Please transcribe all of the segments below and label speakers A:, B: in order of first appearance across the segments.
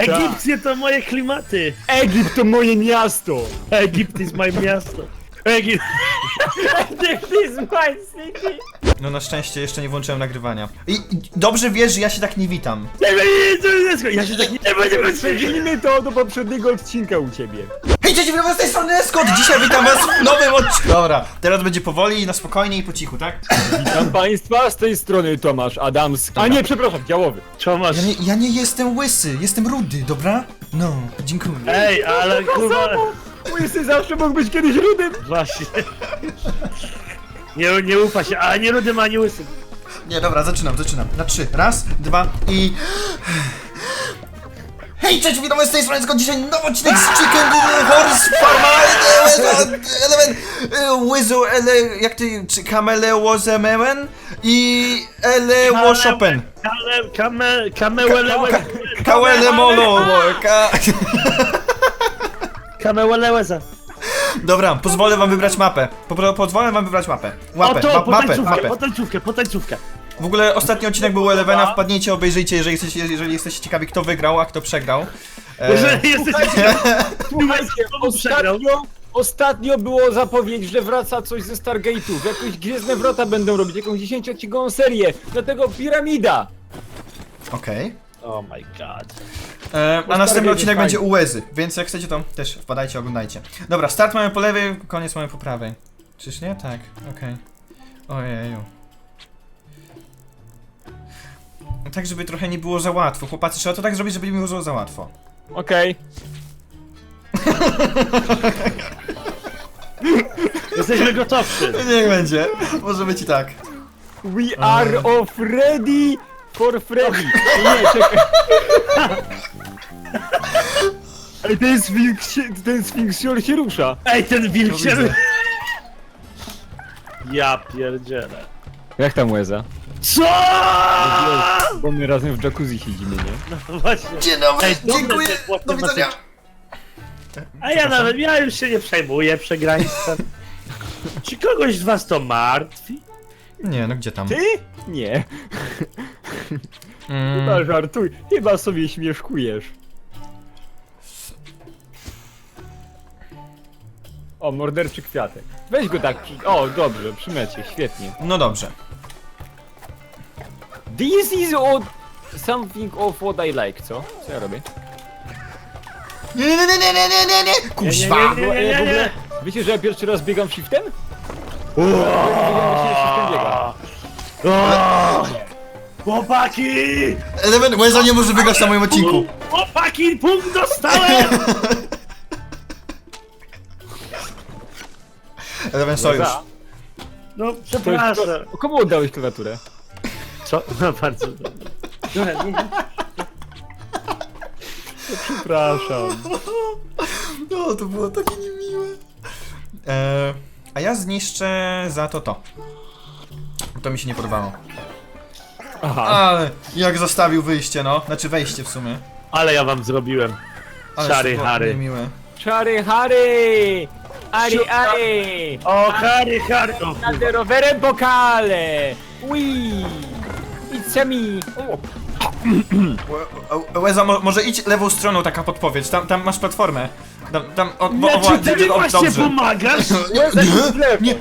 A: Egipcje to moje klimaty.
B: Egipt to moje miasto!
A: Egipt is my miasto. Egipt.
B: Egipt is my city!
C: No na szczęście jeszcze nie włączyłem nagrywania. I dobrze wiesz, że ja się tak nie witam.
A: Ja się tak nie będę
B: Przejdźmy to do poprzedniego odcinka u ciebie.
C: Hej, cześć, witam was z tej strony Escort! Dzisiaj witam was w nowym odcinku. Dobra, teraz będzie powoli, na spokojnie i po cichu, tak?
B: Witam państwa, z tej strony Tomasz Adamski. A nie, przepraszam, Działowy.
A: Tomasz.
C: Ja nie jestem łysy, jestem rudy, dobra? No, dziękuję.
A: Ej, ale kurwa.
B: Łysy zawsze mógł być kiedyś rudym.
A: Właśnie. Nie ufa się, a nie rudym, ani łysym.
C: Nie, dobra, zaczynam. Na 3. Raz, 2 i... Hej, cześć, witam was z tej strony Escort. Dzisiaj nowy odcinek z Chicken Horse Farm Element Łyzu, jak ty... Kamelełozememen i Elełoszopen. Kawelemolo.
A: Kamełeleza.
C: Dobra, pozwolę wam wybrać mapę. Pozwolę wam wybrać mapę.
A: Oto,
C: Mapę.
A: potańcówkę.
C: W ogóle ostatni odcinek był u Elevena, wpadnijcie, obejrzyjcie, jeżeli jesteście ciekawi, kto wygrał, a kto przegrał.
A: Jeżeli jesteście
B: Słuchajcie,
A: kto przegrał?
B: ostatnio było zapowiedź, że wraca coś ze Stargate'ów. Jakieś Gwiezdne Wrota będą robić, jakąś 10-odcinkową serię. Dlatego Piramida.
C: Okej.
A: Oh my god.
C: A następny odcinek
B: fajnie.
C: będzie u Łezy, więc jak chcecie, to też wpadajcie, oglądajcie. Dobra, start mamy po lewej, koniec mamy po prawej. Czyż nie? Tak, okej. Ojeju. Tak, żeby trochę nie było za łatwo. Chłopacy, trzeba to tak zrobić, żeby nie było za łatwo.
B: Okej.
A: Jesteśmy gotowszy.
C: Niech będzie. Może być i tak.
B: We are of ready for Freddy. Nie, czekaj. Ej, ten Sfinksior się rusza.
A: Ej, ten wilk
C: To
A: się...
C: widzę.
A: Ja pierdzielę.
B: Jak tam Łeza?
A: Co?
B: Bo my razem w jacuzzi siedzimy, nie?
A: No właśnie.
C: Dzień dobry,
A: Ej, dobre
C: dziękuję,
A: te płatne
C: do widzenia.
A: A ja już się nie przejmuję przegraństwem. Czy kogoś z was to martwi?
C: Nie, no gdzie tam?
B: Ty? Nie. Chyba żartuj. Chyba sobie śmieszkujesz. O, morderczy kwiatek. Weź go tak O, dobrze, przy mecie, świetnie.
C: No dobrze.
B: This is something of what I like, co? Co ja robię?
C: Nie, kuźwa!
A: Nie.
B: Wiecie, że ja pierwszy raz biegam shiftem? Ja się shiftem biega.
A: O! Chłopaki!
C: Eleven, Łeza nie może wygrać na moim odcinku.
A: Chłopaki, punkt dostałem!
C: Eleven sojusz.
A: No, przepraszam.
B: Komu oddałeś klawiaturę?
A: Co? No bardzo dobrze.
B: Przepraszam.
C: No, to było takie niemiłe. A ja zniszczę za to. To mi się nie podobało.
B: Aha.
C: Ale jak zostawił wyjście, no. Znaczy wejście w sumie.
A: Ale ja wam zrobiłem.
C: Ale
A: Szary
C: to było
A: Harry.
C: niemiłe.
B: Czary Harry! Ari!
A: O, Harry! O,
B: Jadę rowerem po kale! Wii! It's me!
C: Łeza, może idź lewą stroną, taka podpowiedź. Tam masz platformę. Tam
A: Czy ty mi właśnie
C: dobrze.
A: pomagasz?
B: Nie!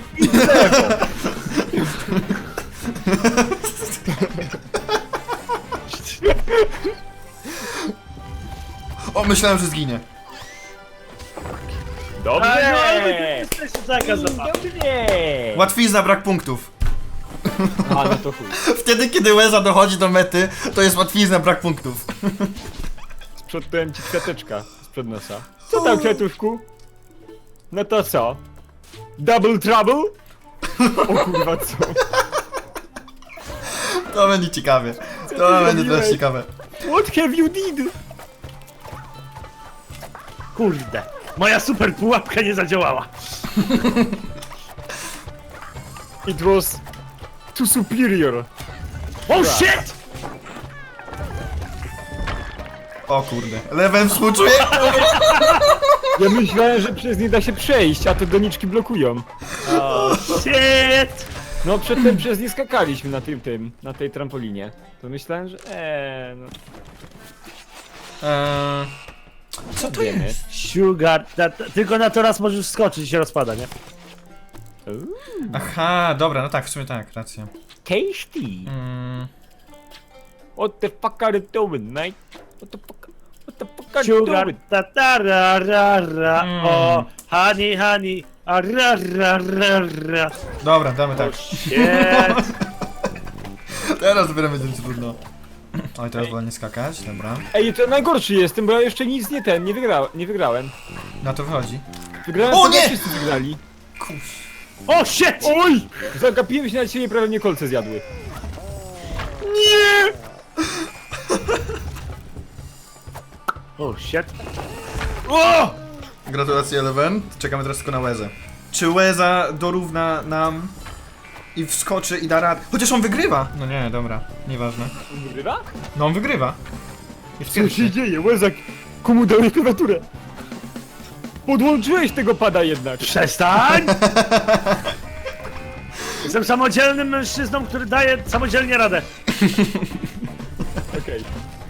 C: O, myślałem, że zginie.
B: Dobrze!
A: Jesteś taka zabawa.
B: Dobrze!
C: Łatwizna, brak punktów.
B: A, no to chuj.
C: Wtedy, kiedy Łeza dochodzi do mety, to jest łatwizna, brak punktów.
B: Sprzątałem ci kwiateczka sprzed nosa. Co tam, kwiatuszku? No to co? Double trouble? O kurwa, co?
C: To będzie ciekawie. To będzie też ciekawe.
B: What have you did?
A: Kurde. Moja super pułapka nie zadziałała.
B: It was too superior.
A: Oh shit!
C: O kurde. Eleven współczuje?
B: Ja myślałem, że przez nie da się przejść, a te doniczki blokują.
A: Oh shit!
B: No przedtem przez nie skakaliśmy na na tej trampolinie. To myślałem, że no.
C: Co to jest?
A: Sugar, tylko na to raz możesz skoczyć i się rozpada, nie?
C: Aha, dobra, no tak, w sumie tak, racja.
B: Tasty. What the fuck are you doing, mate? What the fuck are you
A: Sugar,
B: doing?
A: ra, ra, ra, o, honey, a ra, ra, ra, ra.
C: Dobra, damy tak.
A: Shit.
C: Teraz dopiero będzie trudno. Oj, teraz wolę nie skakać, dobra.
B: Ej, to najgorszy jestem, bo ja jeszcze nic nie wygrałem.
C: Na to wychodzi.
B: Wygrałem,
C: O
B: to
C: nie!
B: wszyscy wygrali.
C: Kuś.
A: O, shit!
B: Oj! Zagapiłem się na ciebie, prawie mnie kolce zjadły.
A: Nie! O, shit. O!
C: Gratulacje, Eleven. Czekamy teraz tylko na Łezę. Czy Łeza dorówna nam i wskoczy i da radę? Chociaż on wygrywa! No nie, dobra, nieważne.
B: Wygrywa?
C: No on wygrywa. Jest
B: Co się
C: pierwszy.
B: dzieje? Łezak, komu dałeś klawiaturę? Podłączyłeś tego pada jednak.
A: Przestań! Jestem samodzielnym mężczyzną, który daje samodzielnie radę.
B: Okej.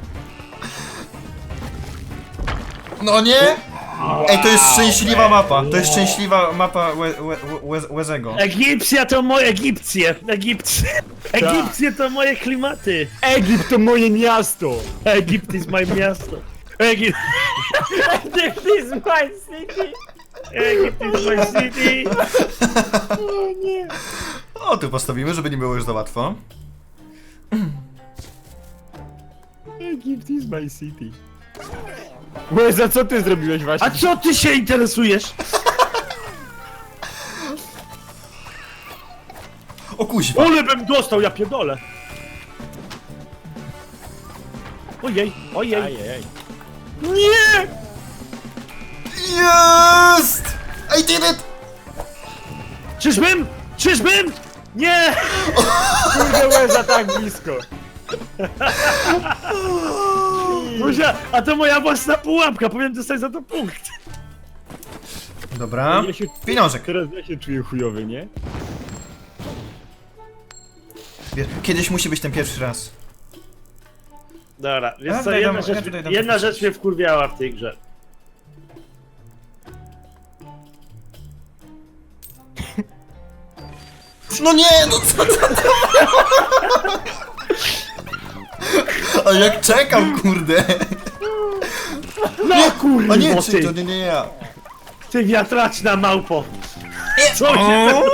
C: No nie! Ej, to jest szczęśliwa mapa. To jest szczęśliwa mapa Łezego.
A: Egipcja to moje Egipcje. Egipcje to moje klimaty.
B: Egipt to moje miasto!
A: Egipt is my miasto. Egipt is my city. Egipt is my city. O nie.
C: O, tu postawimy, żeby nie było już za łatwo.
B: Egipt is my city. Łeza, co ty zrobiłeś właśnie?
A: A co ty się interesujesz?
C: O kuźwa.
A: Ole bym dostał, ja pierdolę. Ojej, ojej.
B: Ajej.
A: Nie!
C: Jest! I did it!
A: Czyżbym? Czyżbym? Nie!
B: Kurde, Łeza tak blisko.
A: Buzia, a to moja własna pułapka, powinien dostać za to punkt.
C: Dobra.
B: Ja się-
C: Pieniążek.
B: Teraz ja się czuję chujowy, nie?
C: Kiedyś musi być ten pierwszy raz.
A: Dobra, więc
C: Ja
A: co,
C: tutaj
A: jedna,
C: dam-
A: rzecz,
C: ja tutaj dam
A: jedna
C: podpisać.
A: rzecz mnie wkurwiała w tej grze.
C: No nie, no co to? A jak czekam, kurde.
A: No kurwa,
C: O nie,
A: ty,
C: czy to nie ja.
A: ty wiatraczna małpo. Co
C: O!
A: się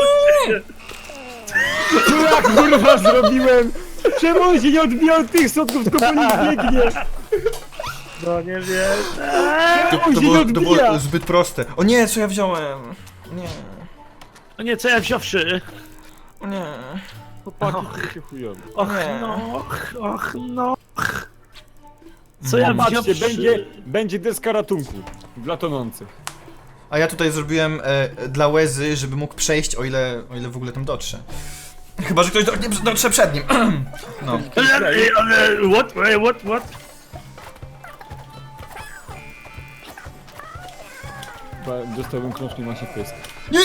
B: Co ja kurwa zrobiłem? Czemu on się nie odbijał od tych sodków, tylko po nich biegnie?
A: No nie wiem.
C: To,
B: On
C: to,
B: się nie
C: było, to
B: odbija.
C: było zbyt proste. O nie, co ja wziąłem? Nie,
A: O nie, co ja wziąwszy?
C: o nie.
B: Chłopaki, się chujowy.
A: Och
C: Nie.
A: no, och no. Co ja
B: Patrzcie,
A: wziąwszy?
B: będzie deska ratunku dla tonących.
C: A ja tutaj zrobiłem dla Łezy, żeby mógł przejść, o ile w ogóle tam dotrze. Chyba, że ktoś dotrze przed nim. No.
A: Ale, what?
B: Chyba dostałbym krążki ma się pysk.
C: Nie, nie.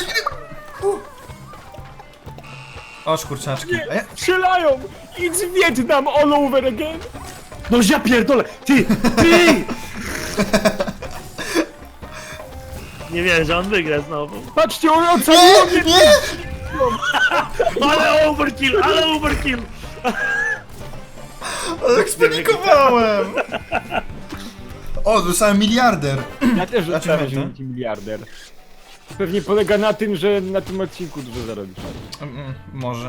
C: O, kurczaczki. A ja...
B: Strzelają! It's Vietnam all over again!
A: No ja pierdolę, ty! Nie wiem, że on wygra znowu.
B: Patrzcie, on ocalił mnie!
C: Nie!
A: Ale overkill!
C: Ale jak spanikowałem! O, dostałem miliarder.
B: Ja też
C: Znaczy,
B: dostałem
C: no.
B: multimiliarder. Pewnie polega na tym, że na tym odcinku dużo zarobisz.
C: Może.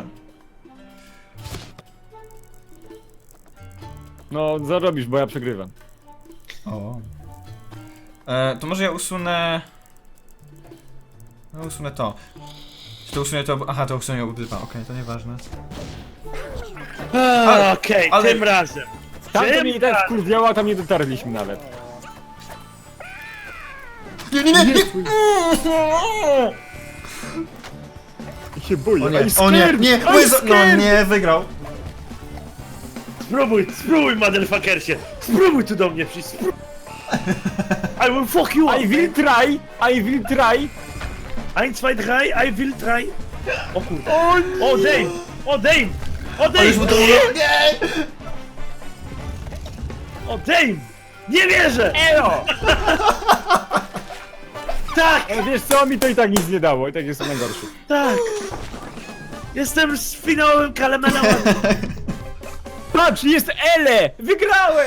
B: No, zarobisz, bo ja przegrywam.
C: O. To może ja usunę... No, usunę to. Czy to usunę to... Aha, to usunę obydwa. Okej, to nieważne.
A: Okej,
C: ale-
A: tym razem.
B: Tam to
A: Tym
B: mnie i tak
A: razem.
B: wkurwiało, a tam nie dotarliśmy nawet.
C: Nie, nie, nie! Nie!
B: I się boję.
C: O nie,
B: I'm
C: o nie,
B: scared!
C: nie!
B: I'm
C: Łeza... No
B: scared!
C: nie, wygrał.
A: Spróbuj, motherfuckersie! Spróbuj tu do mnie przyjść, I will fuck you up,
B: I will try! I will try!
A: 1, 2, 3, I will try. O kurde.
B: O nie!
A: O Dave! O Dave! O
C: Ale już mu
A: Dave!
C: to... Nie!
A: O Dave! Nie wierzę!
B: Elo!
A: Tak,
B: Ej, wiesz co, mi to i tak nic nie dało, i tak jestem najgorszy.
A: tak! Jestem z finałowym Kalemenem.
B: Patrz, jest Ele! Wygrałem!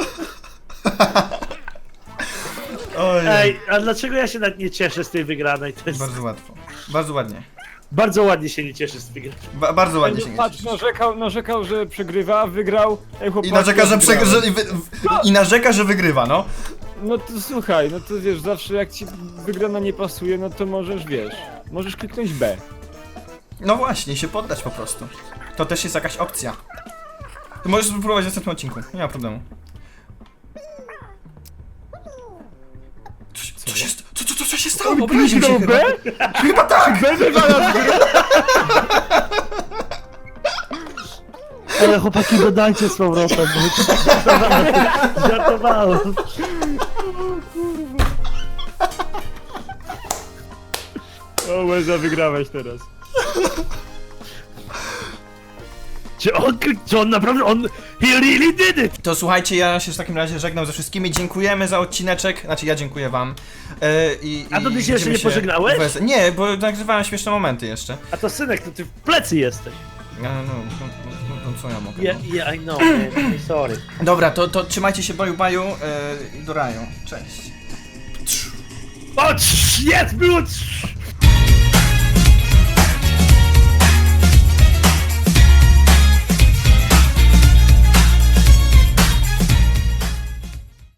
C: Oj,
A: Ej, a dlaczego ja się nawet nie cieszę z tej wygranej? To jest...
C: bardzo łatwo. Bardzo ładnie.
A: Bardzo ładnie się nie cieszę z wygranej.
C: Bardzo ładnie się nie
B: Patrz,
C: cieszysz.
B: narzekał, że przegrywa, wygrał. Ej, chłopaki,
C: I narzeka, że
B: wygrałem.
C: I narzeka, że wygrywa, no.
B: No to słuchaj, no to wiesz, zawsze jak ci wygrana nie pasuje, no to możesz, wiesz, możesz kliknąć B.
C: No właśnie, się poddać po prostu. To też jest jakaś opcja. Ty możesz spróbować w następnym odcinku, nie ma problemu. Co się stało? Obraził się
B: Kliknął
C: chyba.
B: B?
C: Chyba tak!
B: B wywala z gry!
A: Ale chłopaki, dodajcie z powrotem, bo żartowałem.
B: O, Łeza, wygrałeś teraz.
A: Czy on naprawdę, he really did it!
C: To słuchajcie, ja się w takim razie żegnam ze wszystkimi. Dziękujemy za odcineczek. Znaczy, ja dziękuję wam.
A: A to ty się jeszcze
C: widzimy
A: nie pożegnałeś?
C: Nie, bo nagrywałem śmieszne momenty jeszcze.
A: A to synek, to ty w plecy jesteś.
C: No, co ja mogę?
A: Yeah,
C: no.
A: yeah, I know, man. Sorry.
C: Dobra, to trzymajcie się, baju i do raju. Cześć.
A: O, jest, było!